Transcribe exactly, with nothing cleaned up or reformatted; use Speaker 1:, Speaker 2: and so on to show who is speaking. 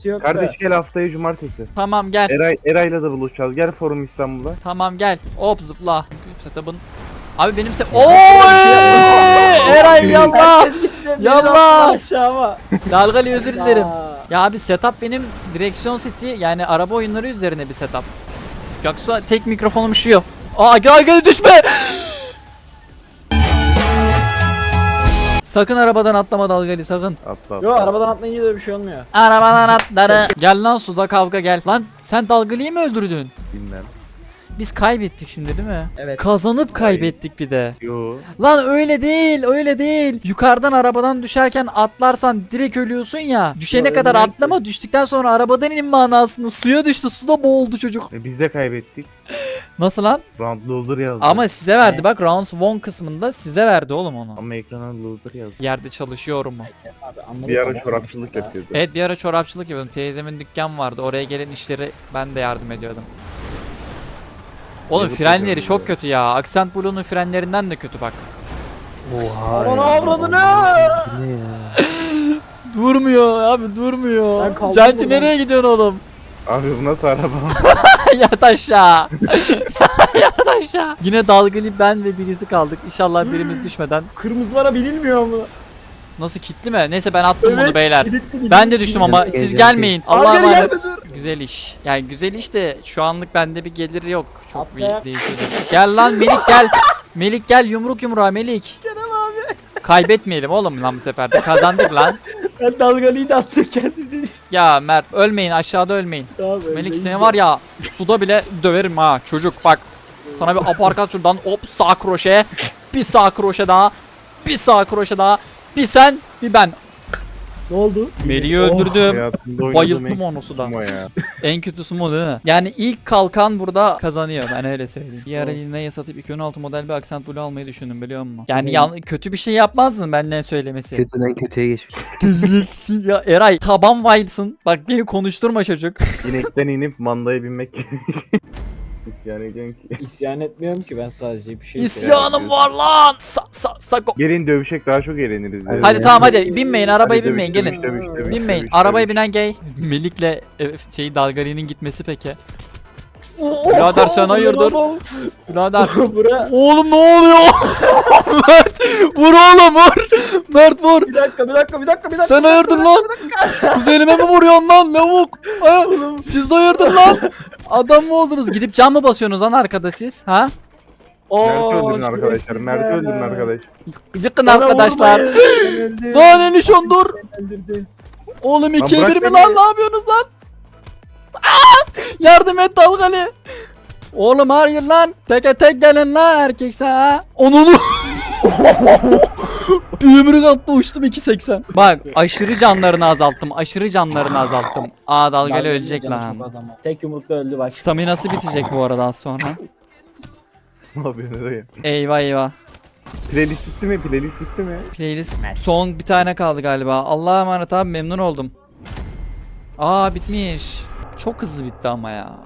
Speaker 1: sıkıntı yok
Speaker 2: Kardeş
Speaker 1: da.
Speaker 2: gel haftaya cumartesi.
Speaker 3: Tamam gel.
Speaker 2: Eray, Eray'la da buluşacağız. Gel Forum İstanbul'a.
Speaker 3: Tamam gel. Hop zıpla. Setup'ın. Abi benim se... Oy! Eray yallah. Yallah.
Speaker 1: Aşağıma.
Speaker 3: Dalgalı özür dilerim.
Speaker 1: Aa.
Speaker 3: Ya abi setup benim direksiyon seti yani araba oyunları üzerine bir setup. Yoksa tek mikrofonum üşüyor. Aa gel gel düşme. Sakın arabadan atlama Dalgalı sakın.
Speaker 2: Atla atla.
Speaker 1: Yo arabadan atlayınca da bir şey olmuyor.
Speaker 3: Arabadan atları. Gel lan suda kavga gel. Lan sen Dalgalı'yı mı öldürdün?
Speaker 2: Bilmem.
Speaker 3: Biz kaybettik şimdi değil mi?
Speaker 1: Evet.
Speaker 3: Kazanıp kaybettik bir de.
Speaker 2: Yo.
Speaker 3: Lan öyle değil, öyle değil. Yukarıdan arabadan düşerken atlarsan direkt ölüyorsun ya. Düşene
Speaker 1: Yo,
Speaker 3: kadar
Speaker 1: ölmüyor ki.
Speaker 3: atlama, düştükten sonra arabadan inin manasında. Suya düştü, suda boğuldu çocuk.
Speaker 2: E, biz de kaybettik.
Speaker 3: Nasıl lan?
Speaker 2: Round loser yazdı.
Speaker 3: Ama size verdi
Speaker 1: Ne?
Speaker 3: bak, round one kısmında size verdi oğlum onu.
Speaker 2: Ama ekrana loser yazdı.
Speaker 3: Yerde çalışıyorum mu?
Speaker 1: Abi, anladım
Speaker 2: Bir ara
Speaker 1: ama
Speaker 2: çorapçılık
Speaker 1: işte ya.
Speaker 2: yapıyordu.
Speaker 3: Evet bir ara çorapçılık yapıyordum. Teyzemin dükkan vardı. Oraya gelen işleri ben de yardım ediyordum. Oğlum
Speaker 2: Yazık
Speaker 3: frenleri
Speaker 2: ediyorum
Speaker 3: çok
Speaker 2: ya.
Speaker 3: kötü ya. Accent Blue'nun frenlerinden de kötü bak.
Speaker 4: Oha.
Speaker 1: Aman
Speaker 4: ya.
Speaker 1: avradını!
Speaker 4: Ne ya?
Speaker 3: Durmuyor abi durmuyor.
Speaker 1: Ben kaldım
Speaker 3: Janti
Speaker 1: buradan.
Speaker 3: nereye gidiyorsun oğlum?
Speaker 2: Abi bu nasıl araba?
Speaker 3: Yat aşağı. Yat aşağı. Yine dalgalı ben ve birisi kaldık. İnşallah birimiz düşmeden.
Speaker 1: Kırmızılara binilmiyor mu?
Speaker 3: Nasıl kilitli mi? Neyse ben attım bunu beyler.
Speaker 1: kilitli, kilitli.
Speaker 3: Ben de düştüm ama
Speaker 4: Evet,
Speaker 3: siz
Speaker 4: evet.
Speaker 3: gelmeyin.
Speaker 1: Abi
Speaker 3: Allah'a
Speaker 1: gel,
Speaker 3: emanet.
Speaker 1: gelme, dur.
Speaker 3: Güzel iş. Yani güzel iş de şu anlık bende bir gelir yok. Çok
Speaker 1: Atlayak.
Speaker 3: bir değişiyor. Gel lan Melik gel. Melik gel yumruk yumruğa Melik.
Speaker 1: Kerem abi.
Speaker 3: Kaybetmeyelim oğlum lan bu sefer de. Kazandık lan.
Speaker 1: Ben dalgalıyı da attım kendimi.
Speaker 3: Ya Mert ölmeyin aşağıda ölmeyin.
Speaker 1: Tamam,
Speaker 3: Melik seni var ya suda bile döverim ha çocuk bak. Sana bir aparkat şuradan hop sağ kroşe. Bir sağ kroşe daha. Bir sağ kroşe daha. Bir sen bir ben.
Speaker 1: Ne oldu?
Speaker 3: Melik'i
Speaker 1: Oh.
Speaker 3: öldürdüm.
Speaker 2: Hayatımda oynadığım
Speaker 3: Bayılttım
Speaker 2: en
Speaker 3: onu suda.
Speaker 2: kötü ya.
Speaker 3: En kötüsü mu değil mi? Yani ilk kalkan burada kazanıyor ben öyle söyleyeyim. Bir ara yine satıp iki bin on altı model bir Accent Blue almayı düşündüm biliyor musun? Yani
Speaker 1: Güzel.
Speaker 3: yan, kötü bir şey yapmazdın benden söylemesi.
Speaker 4: Kötüden kötüye geçmiş.
Speaker 3: Ya Eray taban vibes'ın. Bak beni konuşturma çocuk.
Speaker 2: İnekten inip mandaya binmek. Yani diyorum ki.
Speaker 1: İsyan etmiyorum ki ben sadece bir şey
Speaker 3: İsyanım var lan. Sa sa sako.
Speaker 2: Gelin dövüşek daha çok eğleniriz.
Speaker 4: Hadi
Speaker 3: Hadi
Speaker 4: ya.
Speaker 3: tamam hadi binmeyin arabaya
Speaker 2: Hadi
Speaker 3: binmeyin
Speaker 2: dövüş,
Speaker 3: gelin.
Speaker 2: dövüş, dövüş, dövüş,
Speaker 3: Binmeyin.
Speaker 2: dövüş,
Speaker 3: Arabaya
Speaker 2: dövüş.
Speaker 3: binen gay. Melik'le e, şey Dalgali'nin gitmesi peki. Birader sen hayırdır? Birader.
Speaker 1: Bura.
Speaker 3: Oğlum ne oluyor? Mert vur oğlum vur. Mert vur.
Speaker 1: Bir dakika bir dakika bir dakika bir dakika.
Speaker 3: Sen hayırdır lan? Kuzenime mi vuruyorsun lan lavuk? Ha? Siz de hayırdır lan? Adam mı oldunuz? Gidip cam mı basıyorsunuz lan arkada siz? Ha?
Speaker 2: Mert'i öldürün arkadaşlar. Mert'i öldürün arkadaş.
Speaker 3: Yıkın arkadaşlar. Lan Elişon dur. Oğlum ikiye
Speaker 2: bırak
Speaker 3: bir mi
Speaker 2: beni.
Speaker 3: lan? Ne yapıyorsunuz lan? Aa! Yardım et Dalgalı. Oğlum hayır lan. Teke tek gelin lan erkekse ha. Onunu. Bir yumruk attı uçtum iki seksen. Bak aşırı canlarını azalttım. Aşırı canlarını azalttım. Aa Dalgalı ölecek lan.
Speaker 1: Tek yumrukta öldü bak.
Speaker 3: Staminası bitecek bu arada az sonra.
Speaker 2: Ne yapıyorsun oraya?
Speaker 3: Eyvah eyvah.
Speaker 2: Playlist bitti mi? Playlist bitti mi?
Speaker 3: Playlist son bir tane kaldı galiba. Allah'a emanet abi memnun oldum. Aa bitmiş. Çok hızlı bitti ama ya.